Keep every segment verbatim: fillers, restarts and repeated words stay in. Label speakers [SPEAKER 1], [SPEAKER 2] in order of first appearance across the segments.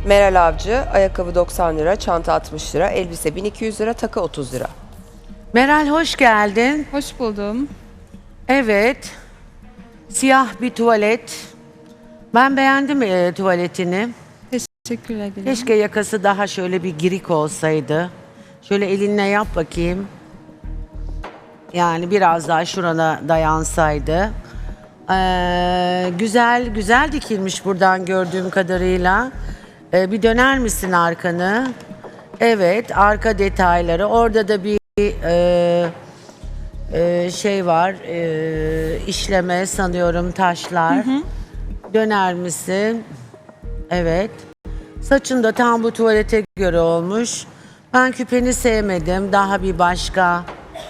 [SPEAKER 1] Meral Avcı, ayakkabı doksan lira, çanta altmış lira, elbise bin iki yüz lira, takı otuz lira.
[SPEAKER 2] Meral hoş geldin.
[SPEAKER 3] Hoş buldum.
[SPEAKER 2] Evet. Siyah bir tuvalet. Ben beğendim e, tuvaletini.
[SPEAKER 3] Teşekkür ederim.
[SPEAKER 2] Keşke yakası daha şöyle bir girik olsaydı. Şöyle elinle yap bakayım. Yani biraz daha şurana dayansaydı. Ee, güzel güzel dikilmiş buradan gördüğüm kadarıyla. Ee, bir döner misin arkanı? Evet, arka detayları. Orada da bir e, e, şey var. E, işleme sanıyorum taşlar. Hı hı. Döner misin? Evet. Saçın da tam bu tuvalete göre olmuş. Ben küpeni sevmedim. Daha bir başka.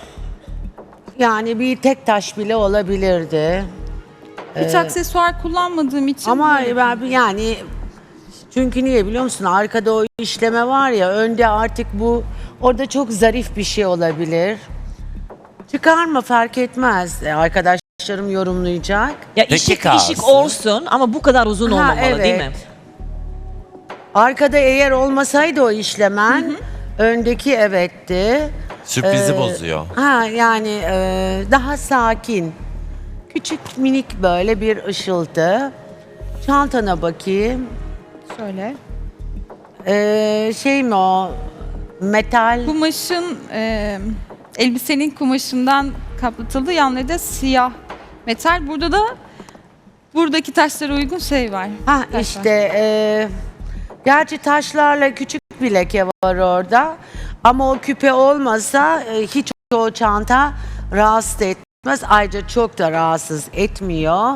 [SPEAKER 2] Yani bir tek taş bile olabilirdi.
[SPEAKER 3] Hiç aksesuar kullanmadığım için.
[SPEAKER 2] Ama
[SPEAKER 3] böyle-
[SPEAKER 2] ben yani çünkü niye biliyor musun? Arkada o işleme var ya, önde artık bu orada çok zarif bir şey olabilir. Çıkarma, fark etmez. E, Arkadaşlarım yorumlayacak.
[SPEAKER 4] Ya
[SPEAKER 5] Peki
[SPEAKER 4] işik
[SPEAKER 5] kalsın.
[SPEAKER 4] işik olsun ama bu kadar uzun
[SPEAKER 2] Ha,
[SPEAKER 4] olmamalı değil mi?
[SPEAKER 2] evet. Arkada eğer olmasaydı o işlemen, öndeki evetti.
[SPEAKER 5] Sürprizi
[SPEAKER 2] Ee,
[SPEAKER 5] bozuyor.
[SPEAKER 2] Ha yani e, daha sakin. Küçük minik böyle bir ışıltı. Çantana bakayım.
[SPEAKER 3] Şöyle.
[SPEAKER 2] Ee, şey mi o? Metal.
[SPEAKER 3] Kumaşın, e, elbisenin kumaşından kaplatıldı. Yanları da siyah metal. Burada da buradaki taşlara uygun şey var.
[SPEAKER 2] Ha
[SPEAKER 3] Taş var.
[SPEAKER 2] işte e, gerçi taşlarla küçük bir leke var orada. Ama o küpe olmasa e, hiç o çanta rahatsız etmez. Ayrıca çok da rahatsız etmiyor.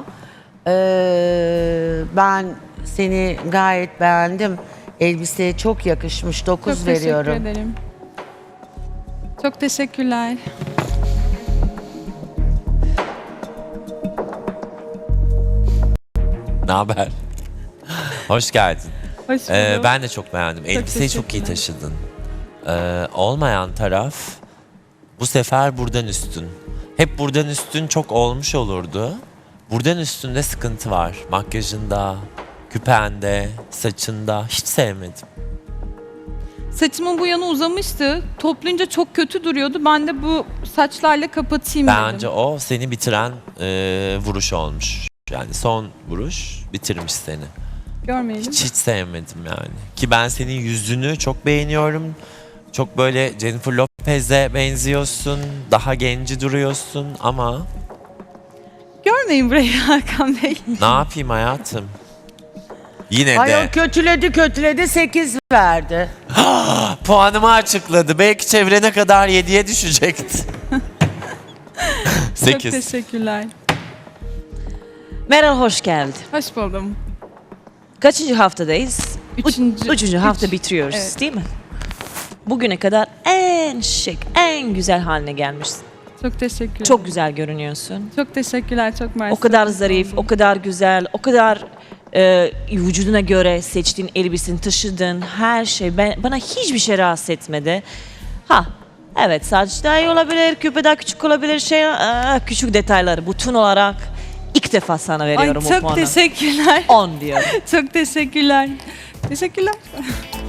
[SPEAKER 2] Ee, ben seni gayet beğendim. Elbiseye çok yakışmış. dokuz
[SPEAKER 3] Çok
[SPEAKER 2] veriyorum.
[SPEAKER 3] teşekkür ederim. Çok teşekkürler.
[SPEAKER 5] Ne haber? Hoş geldin.
[SPEAKER 3] Hoş buldum.
[SPEAKER 5] Ee, ben de çok beğendim. Elbiseyi çok iyi
[SPEAKER 3] teşekkürler.
[SPEAKER 5] taşıdın. Ee, olmayan taraf bu sefer buradan üstün. Hep buradan üstün çok olmuş olurdu. Buradan üstünde sıkıntı var. Makyajında, küpende, saçında. Hiç sevmedim.
[SPEAKER 3] Saçımın bu yanı uzamıştı. Toplayınca çok kötü duruyordu. Ben de bu saçlarla kapatayım
[SPEAKER 5] Bence
[SPEAKER 3] dedim.
[SPEAKER 5] o seni bitiren e, vuruş olmuş. Yani son vuruş bitirmiş seni.
[SPEAKER 3] Görmeyelim.
[SPEAKER 5] Hiç hiç sevmedim yani. Ki ben senin yüzünü çok beğeniyorum. Çok böyle Jennifer Lopez'e benziyorsun. Daha genci duruyorsun ama
[SPEAKER 3] Görmeyin burayı Hakan Bey.
[SPEAKER 5] ne yapayım hayatım? Yine
[SPEAKER 2] Ay
[SPEAKER 5] de
[SPEAKER 2] o kötüledi kötüledi sekiz verdi.
[SPEAKER 5] puanımı açıkladı. Belki çevrene kadar yediye düşecekti.
[SPEAKER 3] Çok
[SPEAKER 5] sekiz.
[SPEAKER 3] teşekkürler.
[SPEAKER 4] Meral hoş geldin.
[SPEAKER 3] Hoş buldum.
[SPEAKER 4] Kaçıncı haftadayız? Üç-
[SPEAKER 3] Üçüncü.
[SPEAKER 4] Üçüncü hafta
[SPEAKER 3] Üç.
[SPEAKER 4] bitiriyoruz
[SPEAKER 3] Evet.
[SPEAKER 4] değil mi? Bugüne kadar en şık, en güzel haline gelmişsin.
[SPEAKER 3] Çok teşekkürler.
[SPEAKER 4] Çok güzel görünüyorsun.
[SPEAKER 3] Çok teşekkürler. Çok mersi.
[SPEAKER 4] O kadar zarif, o kadar güzel, o kadar e, vücuduna göre seçtiğin elbiseni taşıdın, her şey ben, bana hiçbir şey rahatsız etmedi. Ha, evet saç daha iyi olabilir, küpe daha küçük olabilir, şey aa, küçük detayları bütün olarak ilk defa sana
[SPEAKER 3] Ay
[SPEAKER 4] veriyorum o
[SPEAKER 3] çok
[SPEAKER 4] puanı.
[SPEAKER 3] teşekkürler.
[SPEAKER 4] on diyorum.
[SPEAKER 3] Çok teşekkürler. Teşekkürler.